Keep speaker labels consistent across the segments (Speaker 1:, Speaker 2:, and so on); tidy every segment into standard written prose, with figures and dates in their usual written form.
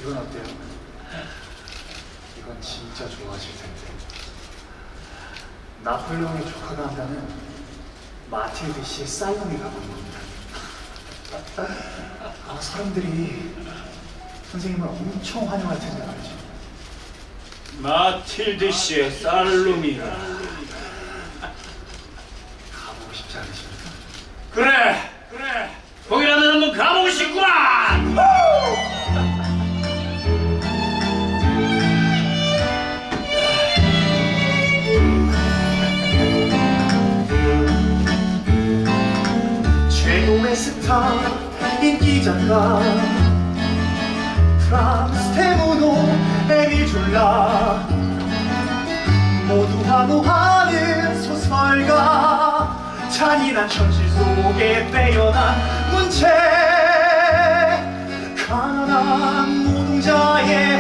Speaker 1: 이건 어때요? 이건 진짜 좋아하실 텐데. 나폴레옹의 조카가 한다는 마틸드 씨의 살롱에 가보는 겁니다. 사람들이 선생님을 엄청 환영할 텐데 말이죠.
Speaker 2: 마틸드 씨의 살룸이라.
Speaker 1: 가보고 싶지 않으십니까?
Speaker 2: 그래. 거기라면 한번 가보고 싶구만.
Speaker 1: 최고의 스타 인기작가 프랑스 테무노 에밀 졸라 모두 환호하는 소설가 잔인한 현실 속에 빼어난 문체 가난한 노동자의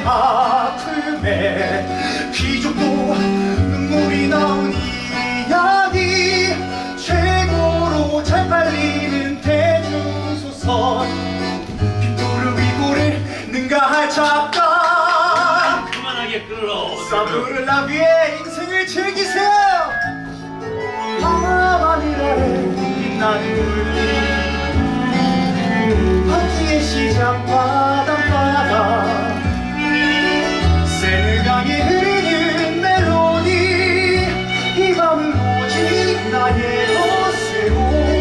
Speaker 1: 아픔에 귀족도 눈물이 나온 이야기 최고로 잘 팔리는 대중소설 빅토르 위고를 능가할 작가
Speaker 2: 그만하게 끌어.
Speaker 1: 사브르 라비의 인생을 즐기세요. 하늘아래 빛나는 불빛 파티의 시작 바닷바다 세느강에 흐르는 멜로디 이 밤은 오직 나의 것으로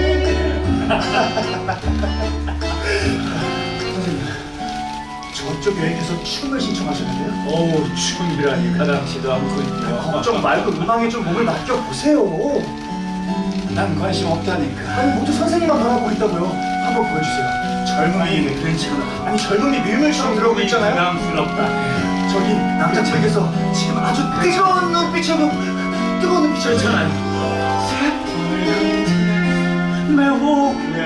Speaker 1: 선생님 저쪽 여행에서 춤을 신청하셨는데요?
Speaker 2: 어우, 춤이라니 가당치도 않고
Speaker 1: 걱정 말고 음악에 좀 몸을 맡겨보세요.
Speaker 2: 난 관심 없다니까.
Speaker 1: 아니 모두 선생님만 바라보고 있다고요. 한번 보여주세요. 젊음이
Speaker 2: 괜찮아.
Speaker 1: 아니 젊음이 밀물처럼 들어오고 있잖아요.
Speaker 2: 부담스럽다.
Speaker 1: 저기 남자 책에서 지금 아주 뜨거운 눈빛으로 뜨거운 눈빛으로
Speaker 2: 괜찮아요. 매혹된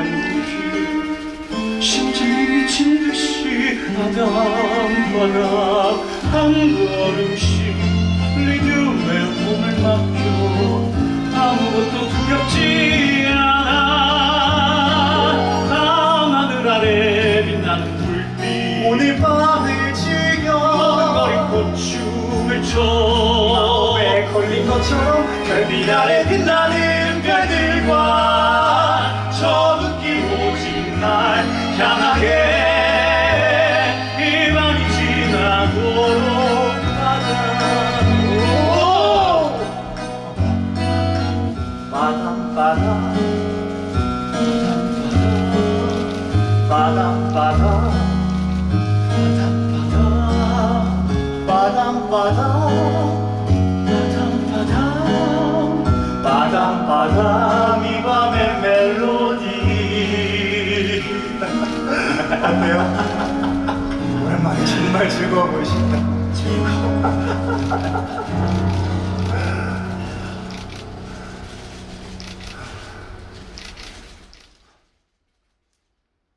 Speaker 2: 심장이 미친 듯이 바닥바닥 한 걸음씩 리듬에 몸을 맡겨 아무것도 두렵지 않아 밤하늘 아래 빛나는 불빛
Speaker 1: 오늘 밤을 즐겨
Speaker 2: 머뭇거리고 춤을 춰
Speaker 1: 마음에 걸린 것처럼 별빛 아래 빛나는 별들과 저 눈길 오직 날 향하게
Speaker 2: 희망이 지나도록 가자.
Speaker 1: 바담바담 바담바담 바담바담 바담바담 이 밤의 멜로디 어때요? 오랜만에 정말 즐거워 보이신다. 즐거워.